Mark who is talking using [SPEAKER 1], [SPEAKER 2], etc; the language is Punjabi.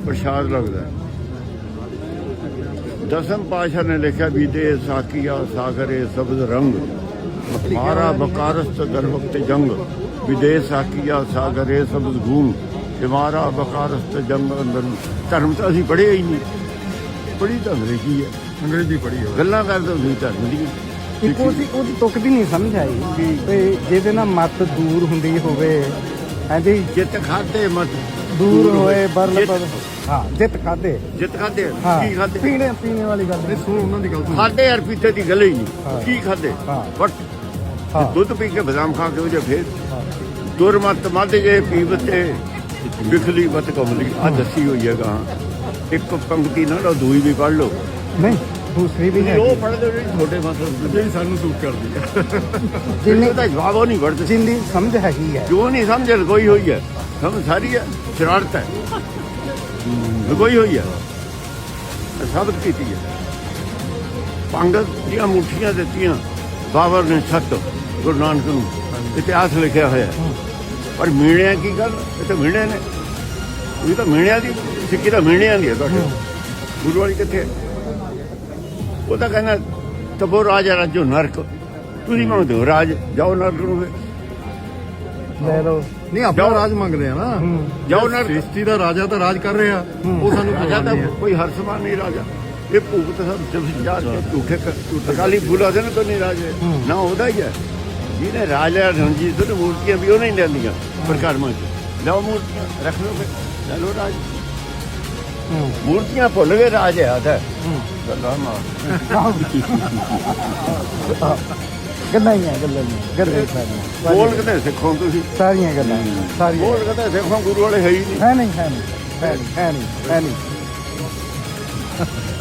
[SPEAKER 1] ਪ੍ਰਸ਼ਾਦ ਲੱਗਦਾ। ਦਸਮ ਪਾਤਸ਼ਾਹ ਨੇ ਲਿਖਿਆ ਵੀ ਦੇ ਸਾਕੀਆ ਸਾਗਰੇ ਸਬਜ਼ ਰੰਗ ਮਾਰਾ ਬਕਾਰਸਤ ਗਰਵਕਤ ਜੰਗ ਵਿਦੇਸ਼ ਸਾਕੀਆ ਸਾਗਰੇ ਸਬਜ਼ ਗੂੰ ਮਾਰਾ ਬਕਾਰਸਤ ਜੰਗ ਅੰਦਰ। ਧਰਮ ਤਾਂ ਅਸੀਂ ਪੜ੍ਹਿਆ ਹੀ ਨਹੀਂ, ਪੜ੍ਹੀ ਤਾਂ ਅੰਗਰੇਜ਼ੀ ਹੈ,
[SPEAKER 2] ਅੰਗਰੇਜ਼ੀ ਪੜ੍ਹੀ ਹੋਵੇ।
[SPEAKER 1] ਗੱਲਾਂ ਕਰਦੇ ਤੁਸੀਂ ਧਰਮ ਦੀ।
[SPEAKER 3] ਇੱਕ ਉਹਦੀ ਤੁਕ ਵੀ ਨਹੀਂ ਸਮਝ ਆਈ ਵੀ ਜਿਹਦੇ ਨਾਲ ਮੱਤ ਦੂਰ ਹੁੰਦੀ ਹੋਵੇ, ਹਾਂਜੀ
[SPEAKER 1] ਜਿੱਤ ਖਾਦੇ ਮਤ
[SPEAKER 3] ਦੂਰ ਹੋਏ ਬਰਲ ਹਾਂ ਜਿੱਤ ਖਾਦੇ
[SPEAKER 1] ਜਿੱਤ ਖਾਦੇ
[SPEAKER 3] ਹਾਂ
[SPEAKER 1] ਕੀ ਖਾਦੇ?
[SPEAKER 3] ਪੀਣੇ ਵਾਲੀ ਗੱਲ ਨਹੀਂ।
[SPEAKER 2] ਸੁਣ ਉਹਨਾਂ ਦੀ ਗੱਲ ਸੁਣ।
[SPEAKER 1] ਖਾਦੇ ਯਾਰ ਪੀਤੇ ਦੀ ਗੱਲ ਹੀ ਨਹੀਂ। ਕੀ ਖਾਦੇ?
[SPEAKER 3] ਹਾਂ।
[SPEAKER 1] ਬਟ
[SPEAKER 3] ਹਾਂ
[SPEAKER 1] ਦੁੱਧ ਪੀ ਕੇ ਬਦਾਮ ਖਾ ਕੇ ਉਹ ਜੇ ਫੇਰ
[SPEAKER 3] ਹਾਂ।
[SPEAKER 1] ਦੁਰਮਤ ਮੱਧ ਜੇ ਪੀਵਤੇ ਬਿਖਲੀ ਮਤ ਕਮਲੀ ਆ ਦੱਸੀ ਹੋਈ ਹੈ ਗਾਂ। ਇੱਕ ਪੰਕਤੀ ਨਾਲ ਉਹ ਦੂਈ ਵੀ ਪੜ੍ਹ ਲਓ।
[SPEAKER 3] ਨਹੀਂ ਦੂਸਰੀ ਵੀ ਹੈ
[SPEAKER 1] ਉਹ ਪੜ੍ਹਦੇ ਹੋ ਜਿਹੜੀ ਛੋਟੇ ਮਤਲਬ
[SPEAKER 2] ਜਿਹੜੀ ਸਾਨੂੰ ਸੂਟ ਕਰਦੀ ਹੈ।
[SPEAKER 1] ਜਿੰਨੇ ਦਾ ਜਵਾਬ ਉਹ ਨਹੀਂ ਪੜ੍ਹਦੇ।
[SPEAKER 3] ਜਿੰਦੀ ਸਮਝ ਹੈਗੀ ਹੈ।
[SPEAKER 1] ਜੋ ਨਹੀਂ ਸਮਝ ਲਗੋਈ ਹੋਈ ਹੈ, ਸਮਝ ਸਾਰੀ ਹੈ, ਸ਼ਰਾਰਤ ਹੈ, ਲਗੋਈ ਹੋਈ ਹੈ, ਸਾਬਤ ਕੀਤੀ ਹੈ। ਪੰਗਤ ਦੀਆਂ ਮੁੱਠੀਆਂ ਦਿੱਤੀਆਂ ਬਾਬਰ ਨੇ ਸੱਤ ਗੁਰੂ ਨਾਨਕ ਨੂੰ, ਇਤਿਹਾਸ ਲਿਖਿਆ ਹੋਇਆ। ਪਰ ਮੀਣਿਆਂ ਕੀ ਗੱਲ? ਇਹ ਤਾਂ ਮੀਣਿਆਂ ਨੇ, ਇਹ ਤਾਂ ਮੀਣਿਆਂ ਦੀ ਸਿੱਖੀ ਤਾਂ ਮੀਣਿਆਂ ਦੀ ਹੈ। ਤੁਹਾਡੇ ਗੁਰੂ ਵਾਲੀ ਕਿੱਥੇ? ਉਹ ਤਾਂ ਕਹਿੰਦਾ ਤਬੋ ਰਾਜ ਰਾਜੋ ਨਰਕ। ਤੁਸੀਂ ਮੰਗਦੇ ਹੋ ਰਾਜ, ਜਾਓ ਨਰਕ ਨੂੰ ਫਿਰ।
[SPEAKER 3] ਲੈ ਲਓ
[SPEAKER 2] ਨਹੀਂ ਆਪਣਾ ਰਾਜ ਮੰਗਦੇ ਆ ਨਾ।
[SPEAKER 1] ਜਾਓ ਨਰਕ।
[SPEAKER 2] ਸ੍ਰਿਸ਼ਟੀ ਦਾ ਰਾਜਾ ਤਾਂ ਰਾਜ ਕਰ ਰਿਹਾ, ਉਹ ਸਾਨੂੰ
[SPEAKER 1] ਰਾਜਾ ਤਾਂ
[SPEAKER 2] ਨਹੀਂ ਹੈ।
[SPEAKER 1] ਕੋਈ ਹਰਸਮਾਨ ਨਹੀਂ ਰਾਜਾ। ਇਹ ਭੂਤ ਸਭ ਜਬ ਜਾ ਝੂਠੇ ਅਕਾਲੀ ਫੂਲਾ ਦੇ ਨਾ ਤੋਂ ਨਹੀਂ ਰਾਜੇ ਨਾ ਉਹਦਾ ਹੀ ਹੈ। ਜਿਹਨੇ ਰਾਜਾ ਰਣਜੀਤ ਸਿੰਘ ਮੂਰਤੀਆਂ ਵੀ ਉਹ ਨਹੀਂ ਲੈਂਦੀਆਂ ਪ੍ਰਕਾਰਮਾਂ ਚ। ਲਓ ਮੂਰਤੀਆਂ ਰੱਖ ਲਓ ਫਿਰ, ਲੈ ਲਓ ਰਾਜ। ਮੂਰਤੀਆਂ ਭੁੱਲ ਗਏ ਰਾਜ ਹੈ ਆਦਾ ਗੱਲਾਂ ਮਾਰ।
[SPEAKER 3] ਗੱਲਾਂ ਹੀ ਆ ਗੱਲਾਂ
[SPEAKER 1] ਬੋਲ ਕਿਤੇ ਸਿੱਖੋ ਤੁਸੀਂ,
[SPEAKER 3] ਸਾਰੀਆਂ ਗੱਲਾਂ ਸਾਰੀਆਂ
[SPEAKER 1] ਬੋਲ ਕਿਤੇ ਸਿੱਖੋ। ਗੁਰੂ ਵਾਲੇ ਹੈ ਹੀ ਨਹੀਂ।
[SPEAKER 3] ਹੈ ਨਹੀਂ